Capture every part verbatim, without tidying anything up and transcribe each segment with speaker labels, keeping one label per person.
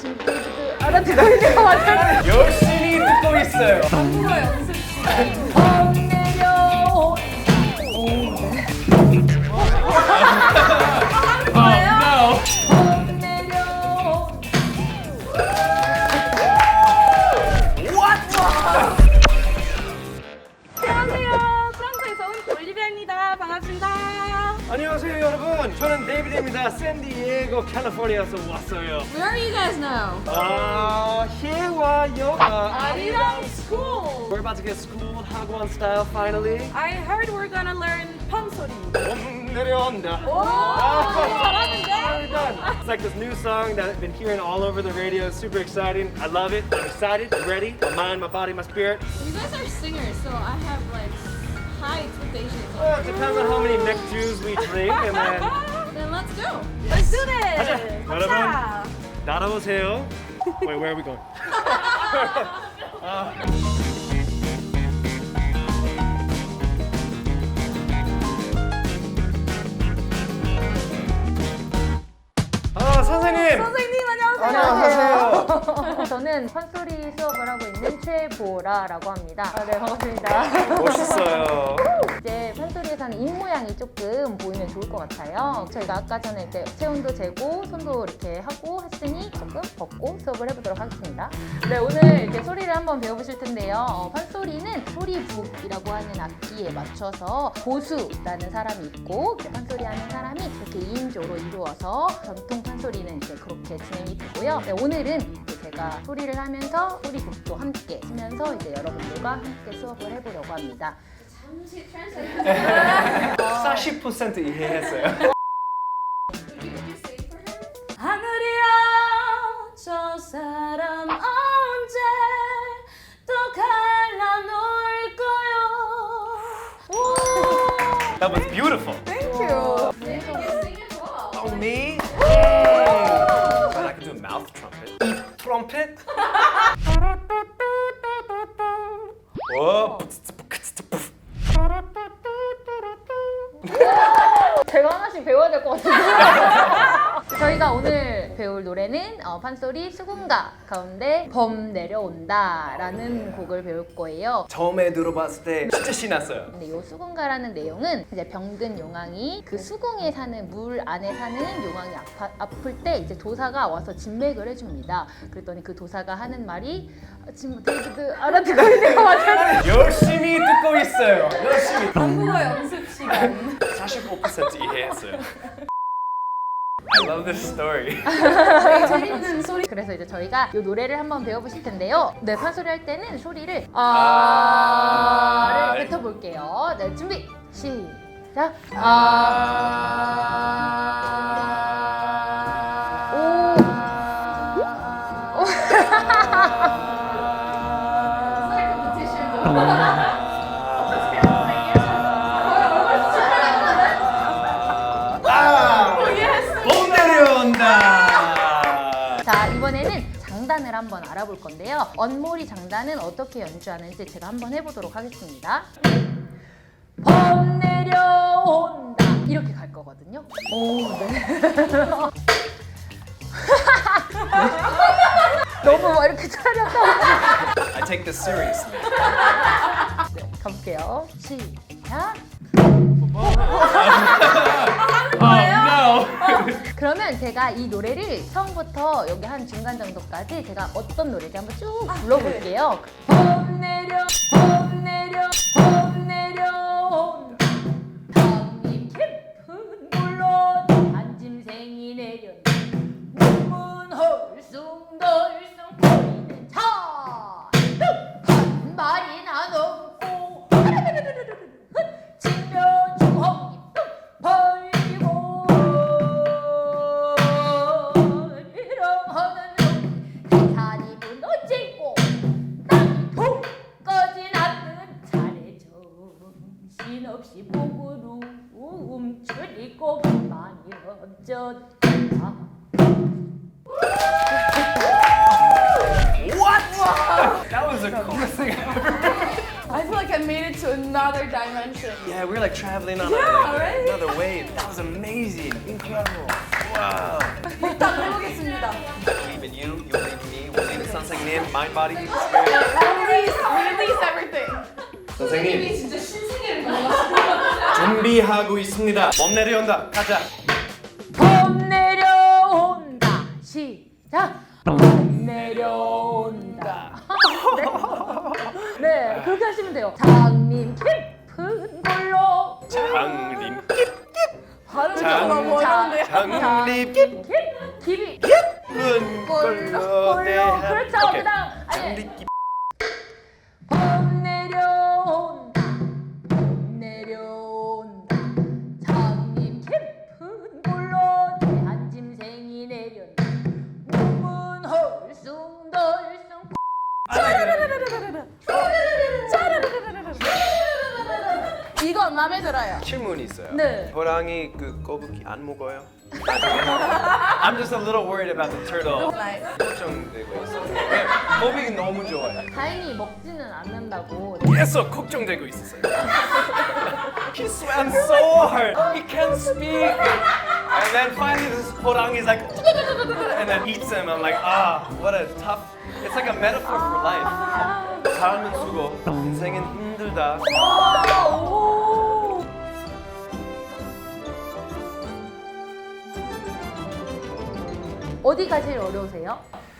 Speaker 1: 지금 그 알아듣고 있는 것 같아요.
Speaker 2: 열심히 듣고 있어요.
Speaker 1: 한국어 연습 시간. 범 내려온.
Speaker 2: Oh,
Speaker 1: 범 내려온. 안녕하세요. 프랑스에서 온 올리비아입니다. 반갑습니다.
Speaker 2: 안녕하세요 여러분. 저는 데이비드입니다. 샌디에고 캘리포니아에서 왔어요.
Speaker 1: Where are you guys now?
Speaker 2: 아, here 와요. 아,
Speaker 1: 아리랑 school.
Speaker 2: We're about to get schooled Hagwon style finally.
Speaker 1: I heard we're gonna learn 펌소리.
Speaker 2: 봄 내려온다.
Speaker 1: 오, 잘하는데?
Speaker 2: It's like this new song that I've been hearing all over the radio. It's super exciting. I love it. I'm excited. I'm ready. My mind, my body, my spirit.
Speaker 1: You guys are singers, so I have like high expectations.
Speaker 2: Well, it depends on how many neck Jews we drink, and then
Speaker 1: Then let's go. Let's do this.
Speaker 2: 가자. 여러분.
Speaker 1: 가자.
Speaker 2: 날아오세요. Wait, where are we going? 아. 아, 선생님.
Speaker 1: 선생님 안녕하세요.
Speaker 2: 안녕하세요.
Speaker 3: 저는 판소리 수업을 하고 있는 최보라라고 합니다. 아, 네, 반갑습니다.
Speaker 2: 멋있어요.
Speaker 3: 이제 판소리에서는 입 모양이 조금 보이면 좋을 것 같아요. 저희가 아까 전에 이렇게 체온도 재고 손도 이렇게 하고 했으니 조금 벗고 수업을 해보도록 하겠습니다. 네, 오늘 이렇게 소리를 한번 배워보실 텐데요. 어, 판소리는 소리북이라고 하는 악기에 맞춰서 고수라는 사람이 있고 판소리 하는 사람이 이렇게 이인조로 이루어서 전통 판소리는 이제 그렇게 진행이 되고요. 네, 오늘은 이제 제가 소리를 하면서 소리북도 함께 쓰면서 이제 여러분들과 함께 수업을 해보려고 합니다.
Speaker 1: 잠시 트랜스레이트.
Speaker 2: 사십 퍼센트 이해했어요.
Speaker 1: 하늘이야 저 사람 언제 또 갈라놓을까요?
Speaker 2: That was beautiful.
Speaker 1: Thank you.
Speaker 2: Oh, me? But I can do a mouth trumpet. 입 trumpet? Whoa.
Speaker 3: 제가 하나씩 배워야 될 것 같은데. 저희가 오늘 배울 노래는 어, 판소리 수군가 가운데 범 내려온다 라는 곡을 배울 거예요.
Speaker 2: 처음에 들어봤을 때 진짜 신났어요.
Speaker 3: 근데 이 수군가라는 내용은 이제 병든 용왕이 그 수궁에 사는 물 안에 사는 용왕이 아파, 아플 때 이제 도사가 와서 진맥을 해줍니다. 그랬더니 그 도사가 하는 말이 지금 데이비드 알아듣고 있는 것 같아요.
Speaker 2: 열심히 듣고 있어요. 열심히.
Speaker 1: 한국어 연습 시간.
Speaker 2: 사십오 퍼센트 이해했어요. I love this story.
Speaker 1: 되게 재밌는 소리.
Speaker 3: 그래서 이제 저희가 이 노래를 한번 배워보실 텐데요. 네, 판소리 할 때는 소리를 아를 뱉어볼게요. 네, 준비 시작. 아. 오.
Speaker 2: 봄 내려온다.
Speaker 3: 자, 이번에는 장단을 한번 알아볼 건데요. 언모리 장단은 어떻게 연주하는지 제가 한번 해보도록 하겠습니다. 범 내려온다 이렇게 갈 거거든요. 오, 네. 너무 막 이렇게 차렸다고.
Speaker 2: I take this seriously.
Speaker 3: 네, 가볼게요. 시작.
Speaker 2: Oh no.
Speaker 3: 그러면 제가 이 노래를 처음부터 여기 한 중간 정도까지 제가 어떤 노래인지 한번 쭉 불러볼게요. 범 내려, 범 내려, 범 내려. 담임 깊은 물로 한짐승이 내려. 문문 헐숭덜숭 거리는 차. 한 발이나 넘고. 치며 주먹이 뚝 벌리고. 이러하는 산이 무너지고 땅이 푹 꺼진 않는 차례 정신없이 목으로 움츠리고 많이 어쩌다.
Speaker 2: What? That was the coolest thing ever.
Speaker 1: I feel like I made it to another dimension.
Speaker 2: Yeah, we were like traveling on
Speaker 1: Yeah,
Speaker 2: a,
Speaker 1: right?
Speaker 2: another wave. That was amazing. Incredible. Wow.
Speaker 1: 일단 해보겠습니다.
Speaker 2: I believe in you. You'll
Speaker 4: in mind, body, spirit.
Speaker 1: Release, release everything.
Speaker 4: 선생님
Speaker 1: 진짜 신세계를 넘어갔어.
Speaker 4: 준비하고 있습니다. 몸 내려온다. 가자.
Speaker 3: 봄 내려온다. 시작. 봄 내려온다. 네. 네, 그렇게 하시면 돼요. 장님 깊은 걸로.
Speaker 4: 장님
Speaker 1: 발음이
Speaker 4: 장-
Speaker 1: 너무 어려운데요.
Speaker 4: 장님
Speaker 3: 깊 깊이
Speaker 4: 깊은 걸로
Speaker 3: 걸로.
Speaker 4: 대한.
Speaker 3: 그렇죠.
Speaker 4: 오케이.
Speaker 3: 그다음 아니.
Speaker 4: 장님 깊.
Speaker 3: 봄 내려온다. 봄 내려온다. 장님 깊은 골로 대한 짐승이 내렸다. 몸은 헐숭덜숭.
Speaker 1: 이건 마음에 들어요.
Speaker 4: 질문이 있어요.
Speaker 3: 네.
Speaker 4: 호랑이 그 거북이 안 먹어요? I'm just a little worried about the turtle. 걱정되고 있어. 네, 거북이 너무 좋아해.
Speaker 3: 다행히 먹지는 않는다고.
Speaker 4: 계속 걱정되고 있었어요. He swam so hard. He can't speak. And then finally this 호랑이's like and then eats him. I'm like, ah, what a tough. It's like a metaphor for life. 삶은 수고, 인생은 힘들다.
Speaker 3: 어디가 제일 어려우세요?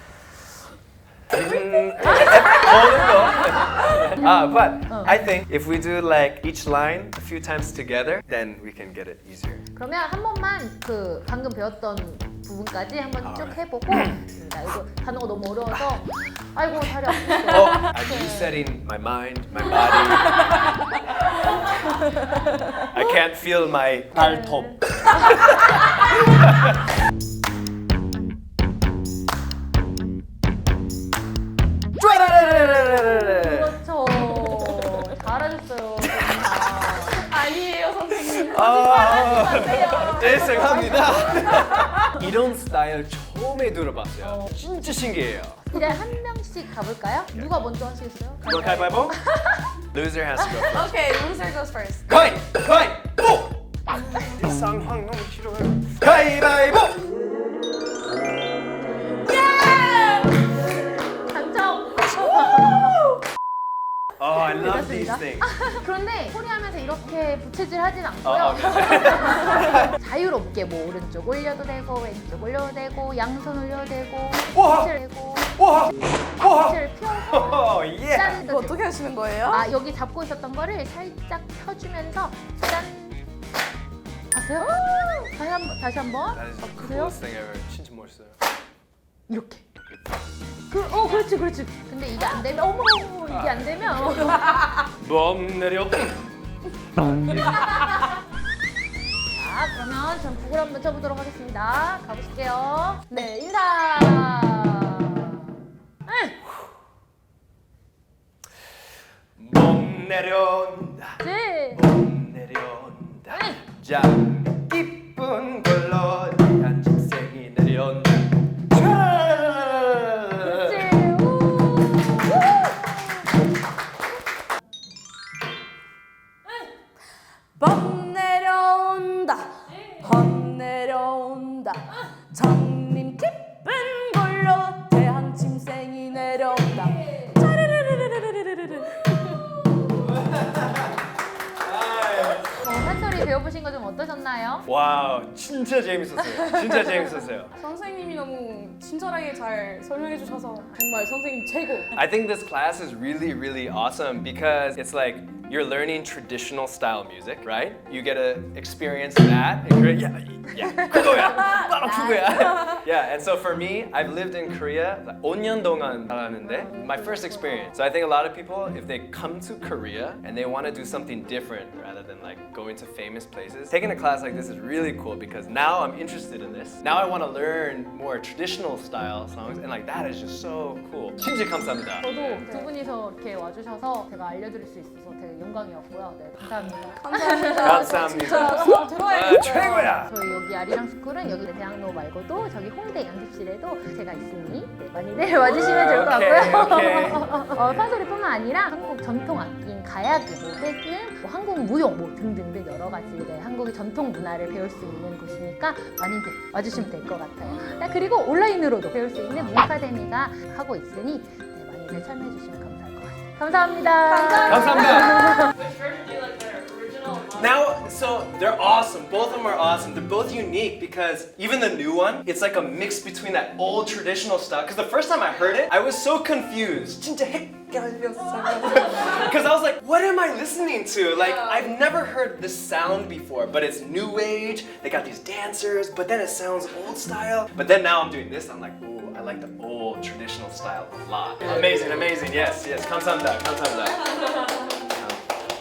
Speaker 4: 음, 보는 거. Ah, but I think if we do like each line a few times together, then we can get it easier.
Speaker 3: 그러면 한 번만 그 방금 배웠던 부분까지 한번 쭉 해보고 있습니다. 이거 단어가 너무 어려워서 아이고 다리 아프겠어요.
Speaker 4: Oh, I'm resetting my mind, my body. I can't feel my 발톱.
Speaker 3: 그렇죠. 잘하셨어요.
Speaker 1: 아니에요, 선생님.
Speaker 4: 아, 죄송합니다. 이런 스타일 처음에 들어봤어요. 진짜 신기해요.
Speaker 3: 이제 한 명씩 가볼까요? 누가 먼저 하시겠어요?
Speaker 4: 이거 가위바위보? Loser has to go first.
Speaker 1: Okay, loser goes first.
Speaker 4: 가위! 가위보! 이 상황 너무 싫어요. 가위바위보!
Speaker 3: 당첨!
Speaker 4: Oh, I love these
Speaker 3: 됐습니다.
Speaker 4: things.
Speaker 3: 그런데 소리하면서 이렇게 부채질 하진 않고요.
Speaker 4: 어, 오케이.
Speaker 3: 자유롭게 뭐 오른쪽 올려도 되고 왼쪽 올려도 되고 양손 올려도 되고
Speaker 4: 우와!
Speaker 3: 부채를 되고
Speaker 4: 와! 와!
Speaker 3: 부채를 펴서
Speaker 4: 오, 예!
Speaker 3: 짠!
Speaker 1: 이거 어떻게 하시는 거예요?
Speaker 3: 아 여기 잡고 있었던 거를 살짝 펴주면서 짠! 봤어요? 다시 한번 다시 한번
Speaker 4: That is the
Speaker 3: 보세요.
Speaker 4: coolest thing ever. 진짜 멋있어요.
Speaker 3: 이렇게. 그, 어 그렇지 그렇지. 근데 이게 안 되면 어머 어머 이게 안 되면
Speaker 4: 몸 내려.
Speaker 3: 자 그러면 전 북을 한번 쳐보도록 하겠습니다. 가보실게요. 네 인사. 응.
Speaker 4: 몸 내려온다.
Speaker 3: 네.
Speaker 4: 몸 내려온다. 자, 기쁜 걸로 한 직생이 내려온다.
Speaker 3: 그렇지. 우. 우.
Speaker 1: 범 내려온다. 범 내려온다. 장님 깊은 걸로 대한 짐승이 내려온다. 짜르르르르르르르르.
Speaker 3: 어, 한소리 배워보신 거 좀 어떠셨나요?
Speaker 4: 와우, 진짜 재밌었어요. 진짜 재밌었어요.
Speaker 1: 선생님이 너무 친절하게 잘 설명해 주셔서 정말 선생님 최고.
Speaker 4: I think this class is really, really awesome because it's like you're learning traditional style music, right? You get to experience that. And Korea, yeah, yeah, 그거야, 바로 그거야. Yeah, and so for me, I've lived in Korea 오 년 동안 살았는데 my first experience. So I think a lot of people, if they come to Korea and they want to do something different rather than like going to famous places, taking a class like this is really cool because now I'm interested in this. Now I want to learn more traditional style songs, and like that is just so cool. 진짜 감사합니다.
Speaker 3: 저도 두 분이서 이렇게 와주셔서 제가 알려드릴 수 있어서 되게 영광이었고요. 네, 감사합니다.
Speaker 1: 감사합니다.
Speaker 4: 감사합니다.
Speaker 1: 진짜 수업 들어야겠어요.
Speaker 4: 아, 최고야.
Speaker 3: 저희 여기 아리랑 스쿨은 여기 대학로 말고도 저기 홍대 양습실에도 제가 있으니 네, 많이들 와주시면 좋을 것
Speaker 4: 오케이,
Speaker 3: 같고요.
Speaker 4: 오케이.
Speaker 3: 어, 판소리뿐만 아니라 한국 전통 악기인 가야금, 뭐 해금, 뭐 한국 무용 뭐 등등등 여러 가지 네, 한국의 전통 문화를 배울 수 있는 곳이니까 많이들 와주시면 될 것 같아요. 네, 그리고 온라인으로도 배울 수 있는 문카데미가 하고 있으니 많이 이제 참여해 주시면 감사할 것 같아요. 감사합니다.
Speaker 4: 감사합니다.
Speaker 1: Which version do you like better? Original or modern?
Speaker 4: Now, so they're awesome. Both of them are awesome. They're both unique because even the new one, it's like a mix between that old traditional style. Because the first time I heard it, I was so confused. 진짜 Because I was like, what am I listening to? Like, I've never heard this sound before, but it's new age. They got these dancers, but then it sounds old style. But then now I'm doing this, I'm like, ooh, I like the old traditional style a lot. Amazing, amazing. Yes, yes. 감사합니다. 감사합니다.